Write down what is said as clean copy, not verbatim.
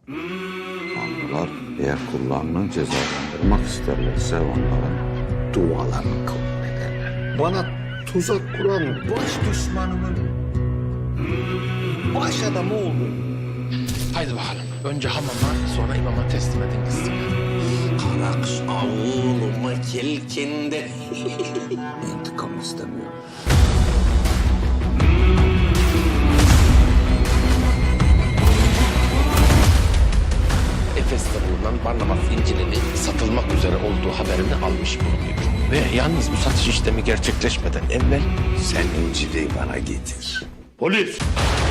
Tanrılar eğer kullarını cezalandırmak isterlerse onların dualarını kabul ederler. Bana tuzak kuran baş düşmanımın baş adamı oldu. Haydi bakalım. Önce hamama, sonra imama teslim edin kızı. Karak avuluma kelkinde. İntikam istemiyorum. Efes'te bulunan Barnabas İncil'ini satılmak üzere olduğu haberini almış bulunuyor. Ve yalnız bu satış işlemi gerçekleşmeden evvel Sen İncil'i bana getir. Polis!